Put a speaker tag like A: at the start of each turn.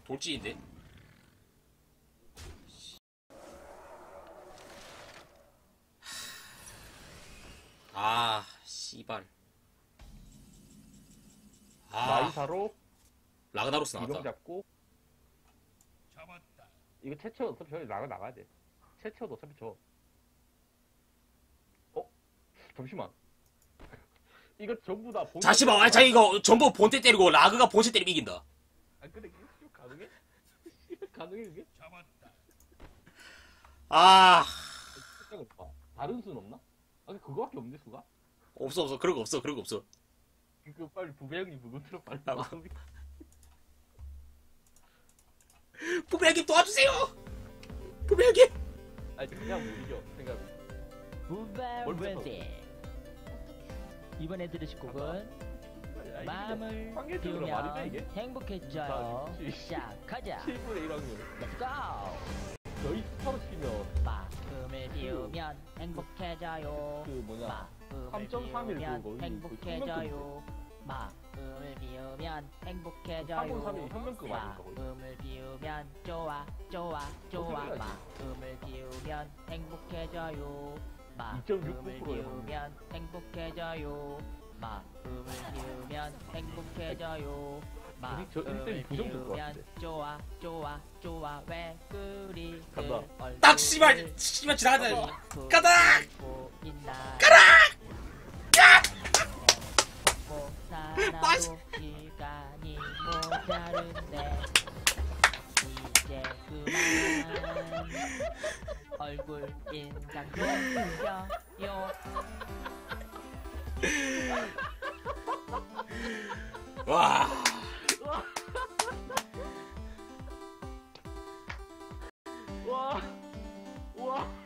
A: 돌진인데? 아, 씨발. 아,
B: 나이사로
A: 라그나로스
B: 이동
A: 나왔다.
B: 잡고 이거 채채 어차피 저기 나가야 돼. 채채도 어차피 저. 잠시만. 이거 전부 다 본.
A: 잠시만, 아, 자, 이거 전부 본체 때리고 라그가 본체 때리면 이긴다.
B: 아 근데 이거 가능해? 가능해 이게?
A: 아,
B: 다른 수는 없나? 아 그거밖에 없는데 수가?
A: 없어. 그런 거 없어. 그런 거 없어.
B: 그 빨리 부배 형님 부분 틀어 빨리.
A: 부배 형님 도와주세요. 부배 형님.
B: 아니 그냥 못 이겨 생각. 뭘
C: 부베레디. 이번에 들으실 곡은 마음을
B: 황계적으로 말이 돼 이게?
C: 비우면 행복해져요.
B: 아, 그치.
C: 시작하자.
B: 7분의 1확률.
C: Let's go.
B: 저희 스타로 치면
C: 마음을 비우면 행복해져요.
B: 그 뭐냐
C: 마음을
B: 3.31
C: 비우면
B: 그거
C: 행복해져요. 마음을 비우면 행복해져요.
B: 3.31 현명급 아닐까 거의?
C: 마음을 비우면 좋아.
B: 소리야,
C: 마음을 비우면 행복해져요.
B: 2.69%
C: 마음을
B: 에
C: 비우면 행복해져요. 마음을 비우면 행복해져요.
B: 저
C: 마음을
B: 일대일 부정 될것
C: 비우면
B: 같은데.
C: 좋아 왜 그리
B: 간다.
A: 딱 씨발 지나가자. 가다.
C: 살아도 시간이 모자른데 이제 그만 얼굴 인상 그려요.
A: 와.
B: 와.